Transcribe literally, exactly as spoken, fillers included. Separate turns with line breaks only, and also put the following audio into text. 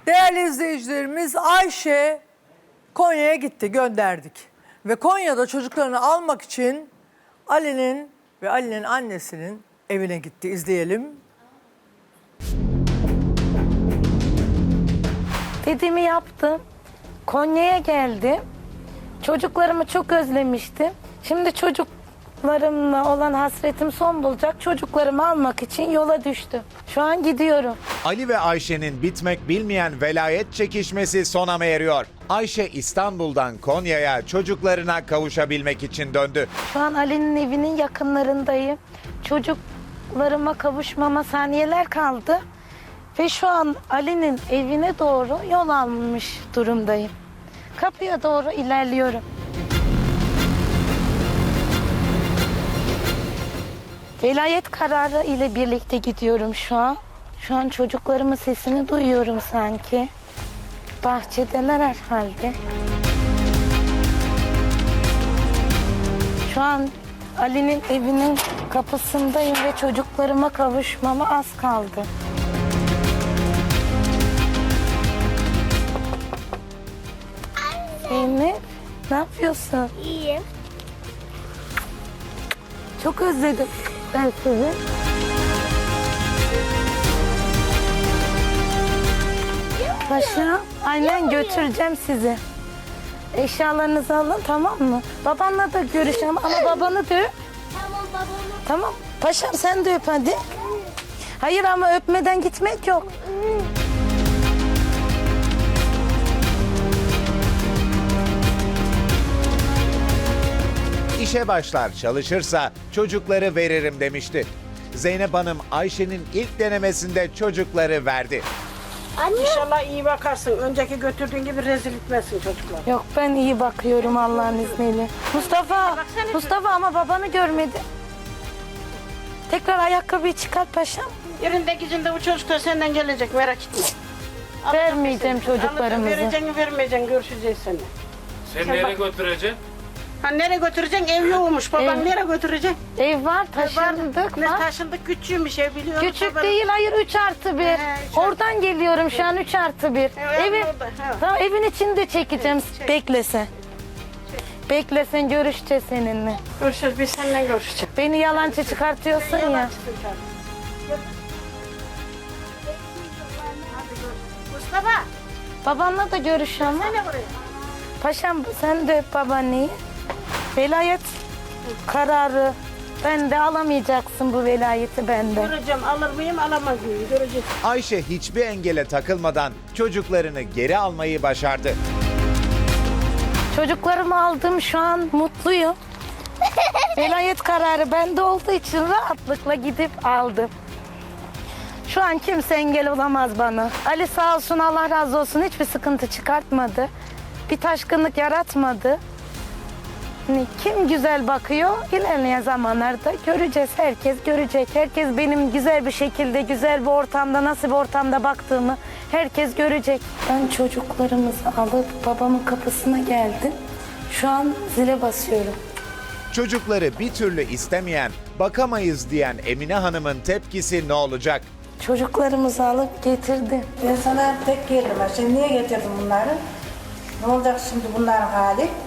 Değerli izleyicilerimiz, Ayşe Konya'ya gitti, gönderdik. Ve Konya'da çocuklarını almak için Ali'nin ve Ali'nin annesinin evine gitti. İzleyelim.
Dediğimi yaptım. Konya'ya geldim. Çocuklarımı çok özlemiştim. Şimdi çocuklarımla olan hasretim son bulacak. Çocuklarımı almak için yola düştüm. Şu an gidiyorum.
Ali ve Ayşe'nin bitmek bilmeyen velayet çekişmesi sona eriyor. Ayşe İstanbul'dan Konya'ya çocuklarına kavuşabilmek için döndü.
Şu an Ali'nin evinin yakınlarındayım. Çocuklarıma kavuşmama saniyeler kaldı. Ve şu an Ali'nin evine doğru yol almış durumdayım. Kapıya doğru ilerliyorum. Velayet kararı ile birlikte gidiyorum şu an. Şu an çocuklarımın sesini duyuyorum sanki. Bahçedeler herhalde. Şu an Ali'nin evinin kapısındayım ve çocuklarıma kavuşmama az kaldı. Zeynep, ne yapıyorsun?
İyiyim.
Çok özledim ben sizi. Paşa, aynen götüreceğim sizi. Eşyalarınızı alın, tamam mı? Babanla da görüşeceğim ama babanı da öp.
Tamam babamı.
Tamam. Paşam sen de öp hadi. Hayır ama öpmeden gitmek yok.
İşe başlar çalışırsa çocukları veririm demişti. Zeynep Hanım Ayşe'nin ilk denemesinde çocukları verdi.
Anne.
İnşallah iyi bakarsın. Önceki götürdüğün gibi rezil etmezsin çocuklar.
Yok ben iyi bakıyorum Allah'ın izniyle. Mustafa, Mustafa ama babanı görmedi. Tekrar ayakkabıyı çıkart paşam.
Yerinde gücünde bu çocuklar senden gelecek, merak etme.
Vermeyeceğim
Alacağım,
çocuklarımızı.
vereceğini vermeyeceksin, görüşeceğiz seni.
Sen nereye götüreceksin?
Ha nereye götüreceksin? Ev yokmuş. Baban
Ev-
nereye götüreceksin?
Ev var, taşındık
Ne
var.
taşındık, küçüğümüş ev biliyorum.
Küçük değil, hayır üç artı bir.
He, üç
Oradan geliyorum şu an üç artı bir.
Evet,
Evin,
orada, evet.
tamam, evin içinde çekeceğim.
Çek.
Beklesen. Beklesen görüşeceğiz seninle.
Görüşeceğiz, biz seninle görüşeceğiz.
Beni yalancı çıkartıyorsun ya.
Mustafa,
Babanla da görüşeceğim.
ne buraya?
Paşam sen de öp babaanneyi. Velayet kararı. Ben de alamayacaksın bu velayeti benden.
Göreceğim, alır mıyım, alamaz mıyım? Göreceğiz.
Ayşe hiçbir engele takılmadan çocuklarını geri almayı başardı.
Çocuklarımı aldım, şu an mutluyum. Velayet kararı bende olduğu için rahatlıkla gidip aldım. Şu an kimse engel olamaz bana. Ali sağ olsun, Allah razı olsun, hiçbir sıkıntı çıkartmadı. Bir taşkınlık yaratmadı. Hani kim güzel bakıyor, ilerleyen zamanlarda göreceğiz. Herkes görecek. Herkes benim güzel bir şekilde, güzel bir ortamda, nasıl bir ortamda baktığımı herkes görecek. Ben çocuklarımızı alıp babamın kapısına geldim. Şu an zile basıyorum.
Çocukları bir türlü istemeyen, bakamayız diyen Emine Hanım'ın tepkisi ne olacak?
Çocuklarımızı alıp getirdim.
Ben sana tek geldim. Şimdi niye getirdin bunları? Ne olacak şimdi bunların hali?